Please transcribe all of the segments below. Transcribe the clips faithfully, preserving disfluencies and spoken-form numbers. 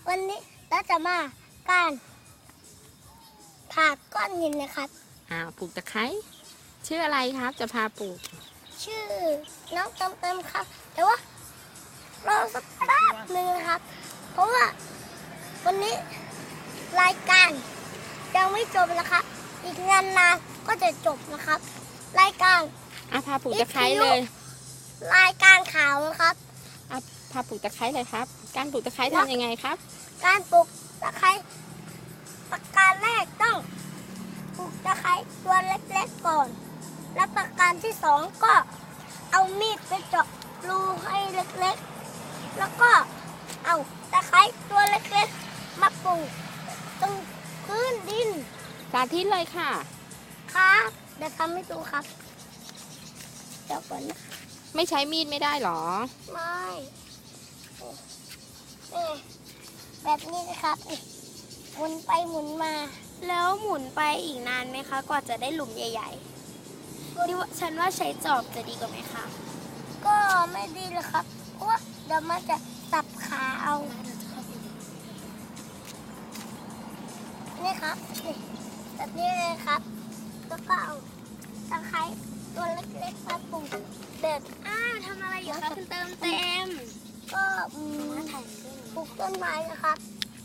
วันนี้เราจะมาการผ่าก้อนหินนะครับอ้าวปลูกตะไคร้ชื่ออะไรครับจะพาปลูกชื่อน้องเติมเติมครับ แต่ว่าเราสักแป๊บหนึ่งนะครับ เพราะว่าวันนี้รายการยังไม่จบนะครับ อีกงานนานก็จะจบนะครับ รายการอ่ะพาปลูกตะไคร้เลยรายการข่าวนะครับอ่ะพาปลูกตะไคร้เลยครับการปลูกตะไคร้ทำยังไงครับการปลูกตะไคร้ประการแรกต้องปลูกตะไคร้ตัวเล็กๆก่อนและประการที่สองก็เอามีดไปเจาะรูให้เล็กๆแล้วก็เอาตะไคร้ตัวเล็กๆมาปลูกตรงพื้นดินสาธิตเลยค่ะครับเดี๋ยวทำให้ดูครับเดี๋ยวก่อนนะไม่ใช้มีดไม่ได้หรอไม่นี่แบบนี้นะครับหมุนไปหมุนมาแล้วหมุนไปอีกนานไหมคะกว่าจะได้หลุมใหญ่ๆดิฉันว่าใช้จอบจะดีกว่าไหมคะก็ไม่ดีเลยครับเพราะว่าเดี๋ยวมันจะสับขาเอานี่ครับนี่แบบนี้เลยครับแล้วก็เอาตะไคร้ตัวเล็กๆมาปลูกแบบอ้าวทำอะไรอยู่คะคุณเติมเต็มก็ปลูกต้นไม้นะครับ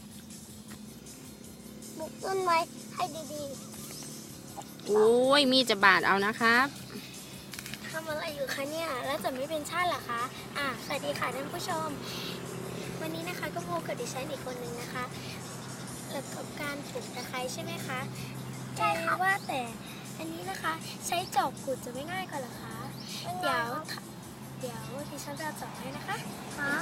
ปลูกต้นไม้ให้ดีๆโอ้ยมีจะบาดเอานะครับทำอะไรอยู่คะเนี่ยแล้วจะไม่เป็นชาติเหรอคะอ่ะสวัสดีค่ะท่านผู้ชมวันนี้นะคะก็พบกับดิฉันอีกคนนึงนะคะแล้วกับการปลูกตะไคร้ใช่ไหมคะใช่ค่ะว่าแต่อันนี้นะคะใช้จอบขุดจะไม่ง่ายกว่าเหรอคะเดี๋ยวเดี๋ยวดิฉันจะจอบให้นะคะครับ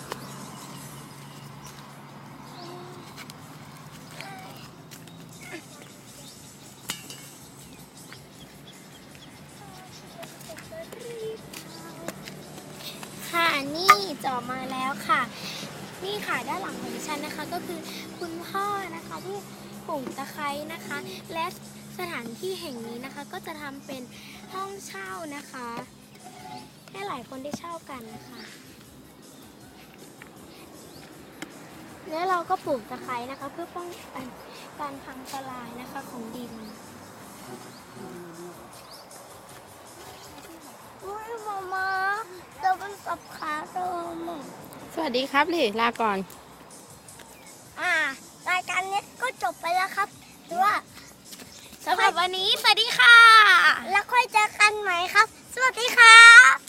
ค่ะนี่จอบมาแล้วค่ะนี่ค่ะด้านหลังของดิฉันนะคะก็คือคุณพ่อนะคะที่ปลูกตะไคร้นะคะและสถานที่แห่งนี้นะคะก็จะทำเป็นห้องเช่านะคะให้หลายคนได้เช่ากันนะคะแล้วเราก็ปลูกตะไคร้นะคะเพื่อป้องกันการพังทลายนะคะของดินอุ้ยมามาเราเป็นสับขาเติมสวัสดีครับลิลาก่อนอ่ารายการนี้ก็จบไปแล้วครับหรือว่าสำหรับวันนี้สวัสดีค่ะแล้วค่อยเจอกันใหม่ครับสวัสดีครับ